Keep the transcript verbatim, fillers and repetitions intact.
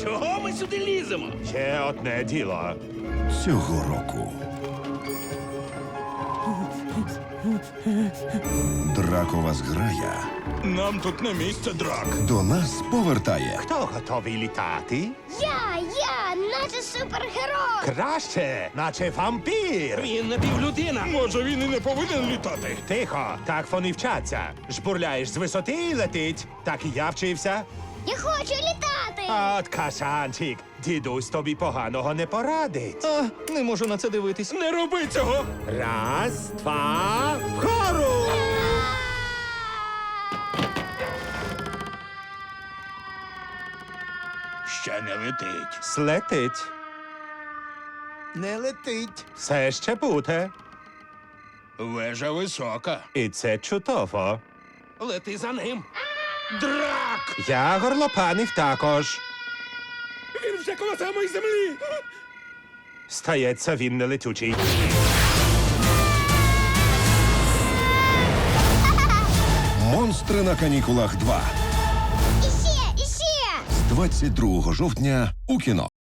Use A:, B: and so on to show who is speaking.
A: Чого ми сюди ліземо?
B: Ще одне діло.
C: Цього року Дракова зграя
A: Нам тут не місце, драк.
C: до нас повертає
B: Хто готовий літати?
D: Я, я, наче супергерой.
B: Краще, наче вампір.
A: Він напівлюдина. Може, він і не повинен літати.
B: Тихо, так вони вчаться. Жбурляєш з висоти і летить. Так і я вчився.
D: Я хочу літати.
B: От кашанчик, дідусь тобі поганого не порадить.
E: А, не можу на це дивитись.
A: Не роби цього.
B: Раз, два, вгору!
A: Ще не летить.
B: Слетить.
E: Не летить.
B: Все ще буде.
A: Вежа висока.
B: І це чудово.
A: Лети за ним. Драк!
B: Я горлопанив також.
A: Він вже коло самої землі.
B: Стається, він не летючий.
C: Монстри на канікулах два
D: Іще, іще.
C: з двадцять другого жовтня у кіно.